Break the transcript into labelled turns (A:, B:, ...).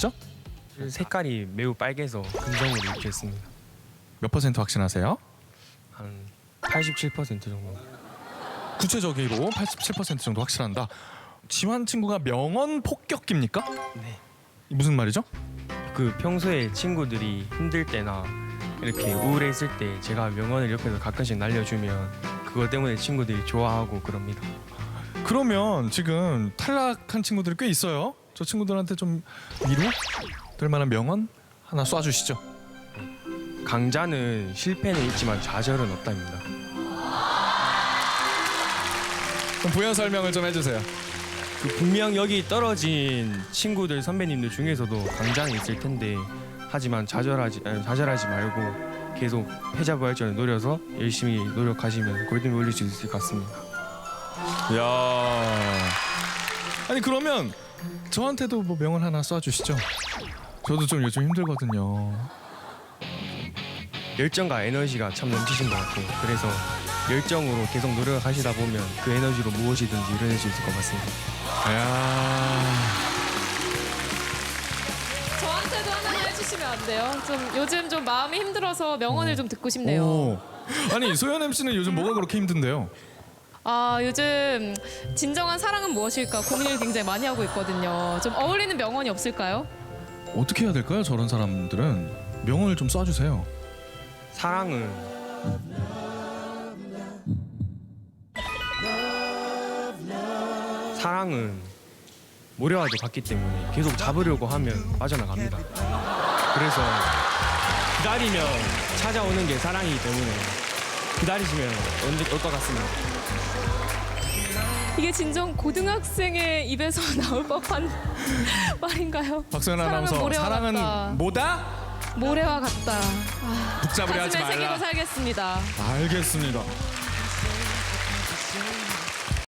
A: 입으셨죠?
B: 색깔이 매우 빨개서 금정으로 입겠습니다.
A: 몇 퍼센트 확신하세요?
B: 한 87% 정도.
A: 구체적으로 87% 정도 확실한다. 지환 친구가 명언 폭격기입니까?
B: 네.
A: 무슨 말이죠?
B: 그 평소에 친구들이 힘들 때나 이렇게 우울했을 때 제가 명언을 옆에서 가끔씩 날려주면 그것 때문에 친구들이 좋아하고 그럽니다.
A: 그러면 지금 탈락한 친구들이 꽤 있어요. 저 친구들한테 좀 위로 될 만한 명언 하나 쏴주시죠.
B: 강자는 실패는 있지만 좌절은 없답니다.
A: 그럼 부연 설명을 좀 해주세요.
B: 그 분명 여기 떨어진 친구들 선배님들 중에서도 강자는 있을 텐데 하지만 좌절하지 말고 계속 패자부활전을 노려서 열심히 노력하시면 골든벨 올릴 수 있을 것 같습니다.
A: 야. 아니 그러면 저한테도 뭐 명언 하나 쏴주시죠. 저도 좀 요즘 힘들거든요.
B: 열정과 에너지가 참 넘치신 것 같고 그래서 열정으로 계속 노력하시다 보면 그 에너지로 무엇이든지 이뤄낼 수 있을 것 같습니다.
A: 야.
C: 저한테도 하나 해주시면 안 돼요? 좀 요즘 좀 마음이 힘들어서 명언을 좀 듣고 싶네요.
A: 오. 아니 소연 MC는 요즘 뭐가 그렇게 힘든데요?
C: 아 요즘 진정한 사랑은 무엇일까 고민을 굉장히 많이 하고 있거든요. 좀 어울리는 명언이 없을까요?
A: 어떻게 해야 될까요? 저런 사람들은 명언을 좀 쏴주세요.
B: 사랑은 모래와도 같기 때문에 계속 잡으려고 하면 빠져나갑니다. 그래서 기다리면 찾아오는 게 사랑이기 때문에 기다리시면 언제 올 것 같습니다.
C: 이게 진정 고등학생의 입에서 나올 법한 말인가요?
A: 박소연
C: 사랑은
A: 아나운서
C: 모래와
A: 사랑은
C: 같다.
A: 뭐다?
C: 모래와 같다.
A: 북잡으려 하지
C: 가슴에 새기고
A: 말라.
C: 살겠습니다.
A: 알겠습니다.